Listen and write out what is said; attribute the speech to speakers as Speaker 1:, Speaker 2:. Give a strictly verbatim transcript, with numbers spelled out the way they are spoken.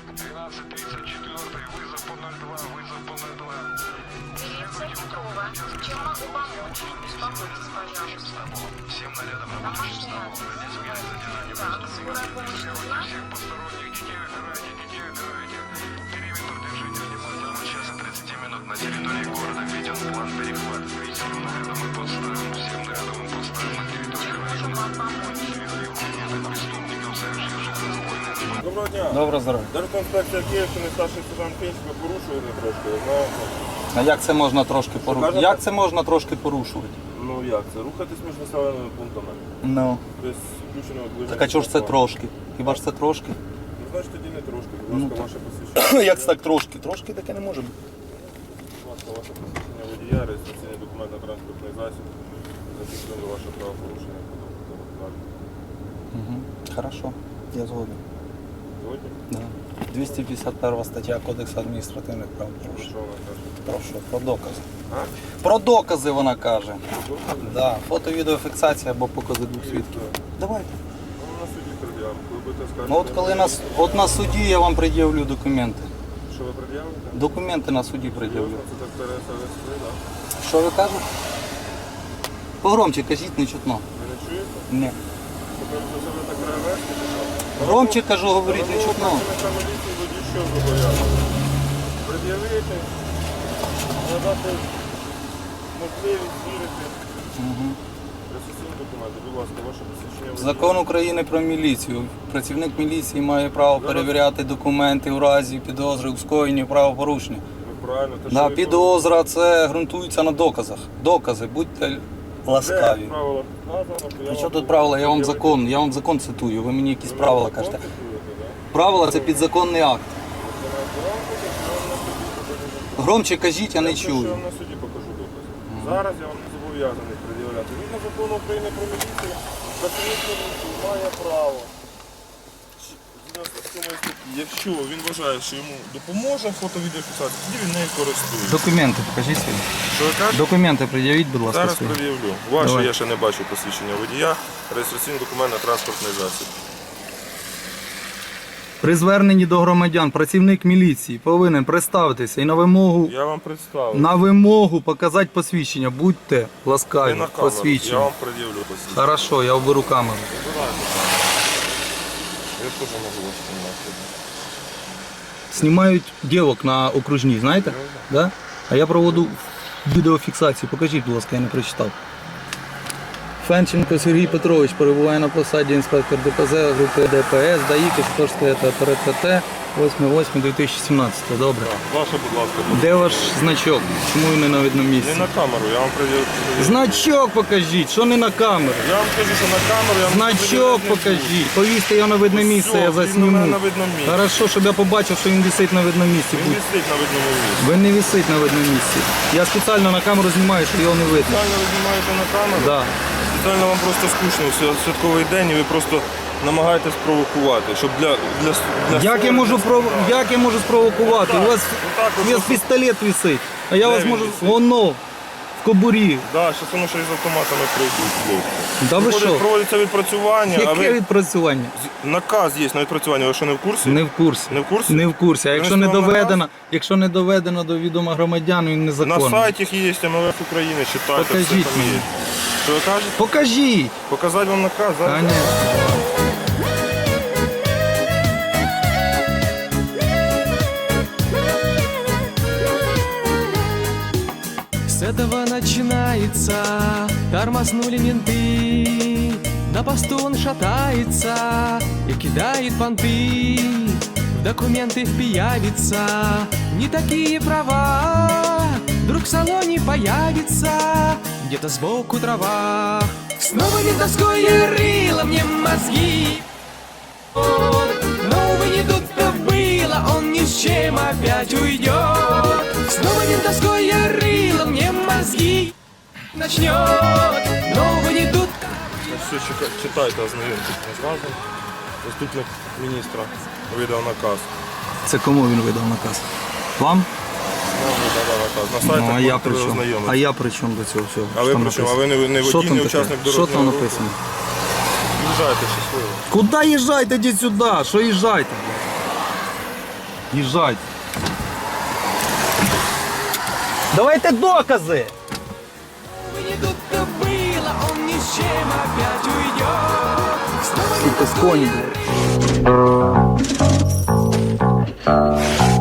Speaker 1: двенадцать тридцать четыре, вызов по ноль два, вызов по ноль два.
Speaker 2: Милиция Петрова. Чем могу помочь? Успокойтесь, пожалуйста.
Speaker 1: Всем нарядом на
Speaker 2: Домашний адрес. Так, скорая помощь нужна?
Speaker 1: всех посторонних детей убирайте, детей убирайте. Периметр держите внимательно. В час и тридцать минут на территории города введен план перехват. Видел нарядом и подставим. Всем нарядом и подставим на территории
Speaker 2: Чем могу вам помочь?
Speaker 1: преступников, совершивших разбойные нападения.
Speaker 3: Доброго дня.
Speaker 4: Добре здоров'я.
Speaker 3: Держінспекція Київщини, старший сержант Пінченко порушуєте трошки, знаєте?
Speaker 4: А як це можна трошки порушувати?
Speaker 3: кажете?
Speaker 4: Як це можна трошки порушувати?
Speaker 3: Ну як це? Рухатись між населеними пунктами.
Speaker 4: Ну.
Speaker 3: Без включеного ближнього.
Speaker 4: Так а чого ж це трошки? Хіба ж це трошки?
Speaker 3: Ну значить тоді не трошки. Будь
Speaker 4: Ну,
Speaker 3: ласка,
Speaker 4: так.
Speaker 3: ваше посвідчення.
Speaker 4: Як це так трошки? Трошки таке не може бути.
Speaker 3: Будь ласка, ваше посвідчення водія, реєстраційний документ на транспортний засіб. Зафіксуємо ваше правопорушення.
Speaker 4: Угу. Хорошо, я згоден.
Speaker 3: Сьогодні?
Speaker 4: Да. двісті п'ятдесят перша стаття Кодексу адміністративних правопорушень.
Speaker 3: Що вона каже?
Speaker 4: Про що? Про докази.
Speaker 3: А?
Speaker 4: Про докази вона каже.
Speaker 3: Докази?
Speaker 4: Да. Фото, відеофіксація або покази двох свідків. Давайте.
Speaker 3: Ну, на суді пред'явимо. Коли будете скажете.
Speaker 4: Ну от коли нас, от на суді я вам пред'явлю документи.
Speaker 3: Що ви пред'явите?
Speaker 4: Документи на суді пред'явлю.
Speaker 3: Серйозно? Це так Тереса Вестри, так?
Speaker 4: Що ви кажете? Погромче кажіть, не чутно.
Speaker 3: Ви не чуєте?
Speaker 4: Ні.
Speaker 3: Тобто ви себе так перевести, чи що?
Speaker 4: Громче кажу, говоріть, не чутно.
Speaker 3: Працівника міліції водій що зобов'язаний? Пред'явити, надати можливість звірити ресурсні документи. Будь ласка, ваше посвідчення водія.
Speaker 4: Закон України про міліцію. Працівник міліції має право перевіряти документи у разі підозри у скоєнні правопорушення.
Speaker 3: Ви правильно, те, що
Speaker 4: Да,
Speaker 3: ви
Speaker 4: підозра це ґрунтується на доказах. Докази, будьте
Speaker 3: Де
Speaker 4: ласкаві.
Speaker 3: в правилах вказано, то я
Speaker 4: При що
Speaker 3: вам
Speaker 4: тут правила? Я вам
Speaker 3: пред'явити.
Speaker 4: закон, я вам закон цитую, ви мені якісь
Speaker 3: Ви
Speaker 4: правила
Speaker 3: закон
Speaker 4: кажете.
Speaker 3: цитуєте, да?
Speaker 4: Правила це підзаконний акт.
Speaker 3: Це на громко, чи я вам на суді покажу?
Speaker 4: Громче кажіть, я не
Speaker 3: Я що я
Speaker 4: чую.
Speaker 3: вам на суді покажу докази. Зараз я вам не зобов'язаний пред'являти. Згідно закону України про міліцію, працівник міліції має право. Згідно з сьомої статті, якщо він вважає, що йому допоможе фото-відеофіксація, тоді він нею користується.
Speaker 4: Документи покажіть свої.
Speaker 3: Що ви кажете?
Speaker 4: Документи пред'явіть, будь ласка,
Speaker 3: Зараз
Speaker 4: свої.
Speaker 3: пред'явлю. Ваше
Speaker 4: Давай.
Speaker 3: я ще не бачу посвідчення водія, реєстраційний документ на транспортний засіб.
Speaker 4: При зверненні до громадян працівник міліції повинен представитися і на вимогу
Speaker 3: Я вам представив.
Speaker 4: на вимогу показати посвідчення. Будьте
Speaker 3: Не
Speaker 4: ласкаві,
Speaker 3: на камеру. Я
Speaker 4: посвідчення.
Speaker 3: вам пред'явлю посвідчення.
Speaker 4: Хорошо, я оберу камеру.
Speaker 3: Вибирайте. Я теж можу вас знімати.
Speaker 4: Знімають дівок на окружній, знаєте? Да? А я проводу відеофіксацію. Покажіть, будь ласка, я не прочитав. Фенченко Сергій Петрович перебуває на посаді інспектор ДПЗ групи ДПС, ДАІ, Костовське та ПРТТ, восьме восьме дві тисячі сімнадцятого. Добре.
Speaker 3: Ваше, будь ласка.
Speaker 4: Де ваш значок? Чому він не на видному
Speaker 3: Не
Speaker 4: місці?
Speaker 3: на камеру, я вам пред'явлю.
Speaker 4: Значок покажіть, що не на камеру?
Speaker 3: Я вам кажу, що на камеру я вам
Speaker 4: Значок
Speaker 3: пред'являти не буду.
Speaker 4: покажіть. Повісьте його на видне місце,
Speaker 3: Все,
Speaker 4: я
Speaker 3: він у мене
Speaker 4: засніму.
Speaker 3: на видному місці.
Speaker 4: Хорошо, щоб я побачив, що він висить на видному місці.
Speaker 3: Він
Speaker 4: Будь.
Speaker 3: висить на видному місці.
Speaker 4: Він не висить на видному місці. Я спеціально на камеру знімаю, щоб його не видно.
Speaker 3: Спеціально ви знімаєте на камеру?
Speaker 4: Да.
Speaker 3: Спеціально вам просто скучно в свят- святковий день і ви просто намагаєтесь провокувати, щоб для... для, для
Speaker 4: Як я можу пров... як я можу спровокувати?
Speaker 3: Отак,
Speaker 4: У вас,
Speaker 3: отак от
Speaker 4: у вас
Speaker 3: просто-
Speaker 4: пістолет висить, а я
Speaker 3: Де
Speaker 4: вас
Speaker 3: він
Speaker 4: можу
Speaker 3: висить?
Speaker 4: воно в кобурі.
Speaker 3: Да, зараз воно ще із автоматами прийдуть, хлопці.
Speaker 4: Да ви
Speaker 3: Проходить-
Speaker 4: що?
Speaker 3: Проводиться відпрацювання, а
Speaker 4: Яке
Speaker 3: ви...
Speaker 4: відпрацювання?
Speaker 3: з- Наказ є на відпрацювання, ви що не в курсі?
Speaker 4: Не в курсі.
Speaker 3: Не в курсі?
Speaker 4: Не в курсі. А якщо не
Speaker 3: Принесли вам
Speaker 4: доведено, якщо не доведено до відома громадян, він
Speaker 3: На
Speaker 4: незаконний.
Speaker 3: сайті є Ем Ве Еф України, читайте,
Speaker 4: Покажіть
Speaker 3: все там
Speaker 4: мені.
Speaker 3: є. Що ви кажете?
Speaker 4: Покажіть.
Speaker 3: Показати вам наказ? Зараз?
Speaker 4: Конечно.
Speaker 5: С этого начинается, тормознули менты. На посту он шатается и кидает понты. В документы впиявится, не такие права. Вдруг в салоне появится где-то сбоку трава. Снова ментовское рыло мне мозги. Вот. Но, увы, не тут-то было, он ни с чем опять уйдет. Снова ментовское рыло мне мозги начнет. Но, увы, не тут.
Speaker 3: Все, чека- читайте, ознайомтесь наказом. Заступник міністра видав наказ.
Speaker 4: Це кому він видав наказ? Вам?
Speaker 3: Нам видав наказ. На
Speaker 4: Ну,
Speaker 3: сайтах
Speaker 4: а я
Speaker 3: можете
Speaker 4: при чому?
Speaker 3: ознайомитися.
Speaker 4: А я при чому до цього всього?
Speaker 3: А ви
Speaker 4: Що там
Speaker 3: при чому? А ви
Speaker 4: написано?
Speaker 3: не, не
Speaker 4: Що
Speaker 3: водій,
Speaker 4: там
Speaker 3: не
Speaker 4: таке?
Speaker 3: учасник
Speaker 4: Що
Speaker 3: дорожнього
Speaker 4: там
Speaker 3: руху?
Speaker 4: написано?
Speaker 3: Їжджайте щасливо.
Speaker 4: Куди їжджайте, йдіть сюди? Що їжджайте?
Speaker 3: Їжджайте.
Speaker 4: Давайте докази!
Speaker 5: Не тут-то было, он ни с чем опять уйдет. Снова
Speaker 4: Сука, з коні, блядь.